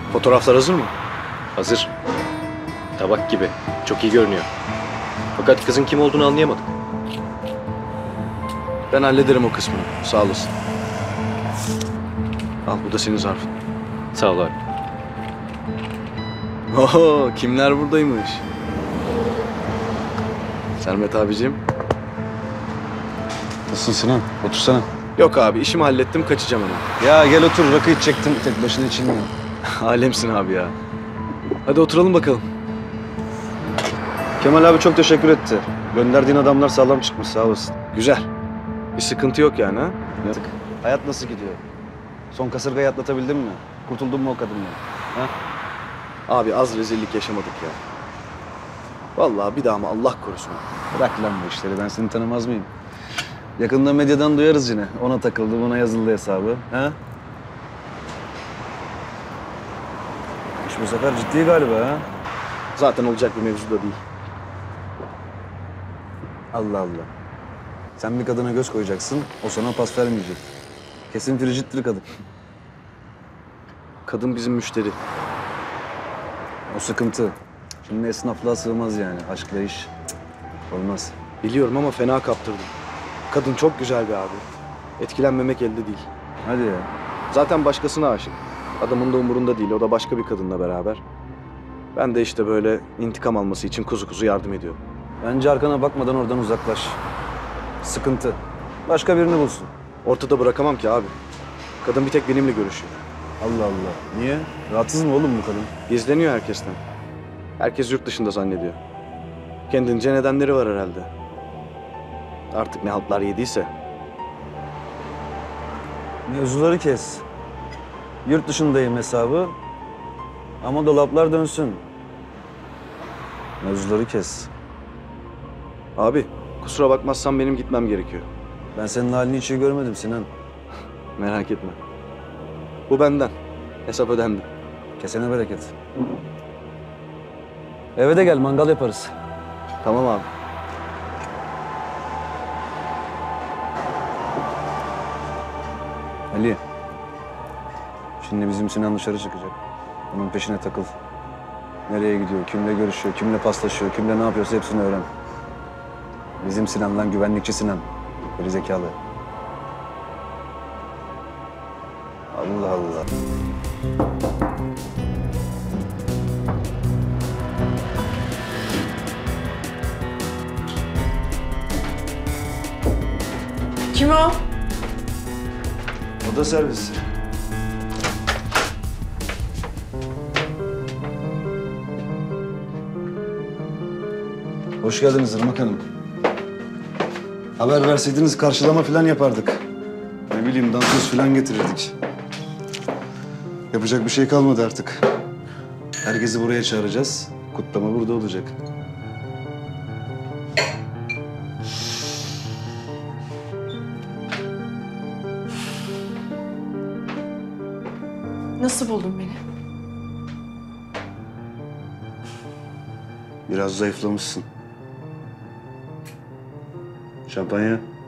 Fotoğraflar hazır mı? Hazır. Tabak gibi. Çok iyi görünüyor. Fakat kızın kim olduğunu anlayamadık. Ben hallederim o kısmını. Sağ olasın. Al, bu da senin zarfın. Sağ ol abi. Oho, kimler buradaymış? Sermet abicim. Nasılsın Sinan? Otursana. Yok abi, işimi hallettim, kaçacağım hemen. Ya gel otur, rakı içecektim. Tek başına içilmiyor. Alemsin abi ya. Hadi oturalım bakalım. Kemal abi çok teşekkür etti. Gönderdiğin adamlar sağlam çıkmış, sağ olasın. Güzel. Bir sıkıntı yok yani ha? Yaptık. Hayat nasıl gidiyor? Son kasırgayı atlatabildin mi? Kurtuldun mu o kadından? Ha? Abi az rezillik yaşamadık ya. Vallahi bir daha mı Allah korusun. Bırak lan bu işleri, ben seni tanımaz mıyım? Yakında medyadan duyarız yine. Ona takıldı, buna yazıldı hesabı. Ha? İş bu sefer ciddi galiba ha? Zaten olacak bir mevzu da değil. Allah Allah. Sen bir kadına göz koyacaksın, o sana pas vermeyecek. Kesin fricittir kadın. Kadın bizim müşteri. O sıkıntı. Şimdi esnaflığa sığmaz yani. Aşkla iş cık, olmaz. Biliyorum ama fena kaptırdım. Kadın çok güzel bir abi. Etkilenmemek elde değil. Hadi ya. Zaten başkasına aşık. Adamın da umurunda değil. O da başka bir kadınla beraber. Ben de işte böyle intikam alması için kuzu kuzu yardım ediyorum. Bence arkana bakmadan oradan uzaklaş. Sıkıntı. Başka birini bulsun. Ortada bırakamam ki abi. Kadın bir tek benimle görüşüyor. Allah Allah. Niye? Rahatsız mı oğlum bu kadın? Gizleniyor herkesten. Herkes yurt dışında zannediyor. Kendince nedenleri var herhalde. Artık ne haltlar yediyse. Mevzuları kes. Yurt dışındayım hesabı. Ama dolaplar dönsün. Mevzuları kes. Abi kusura bakmazsan benim gitmem gerekiyor. Ben senin halini hiç iyi görmedim Sinan. Merak etme. Bu benden. Hesap ödendi. Kesene bereket. Eve de gel, mangal yaparız. Tamam abi. Ali. Şimdi bizim Sinan dışarı çıkacak. Onun peşine takıl. Nereye gidiyor, kimle görüşüyor, kimle paslaşıyor, kimle ne yapıyorsa hepsini öğren. Bizim Sinan lan, güvenlikçi Sinan. Geri zekalı. Allah Allah. Kim o? Oda servisi. Hoş geldiniz Irmak Hanım. Haber verseydiniz karşılama falan yapardık. Ne bileyim, dansöz falan getirirdik. Yapacak bir şey kalmadı artık. Herkesi buraya çağıracağız. Kutlama burada olacak. Nasıl buldun beni? Biraz zayıflamışsın. Şampanya.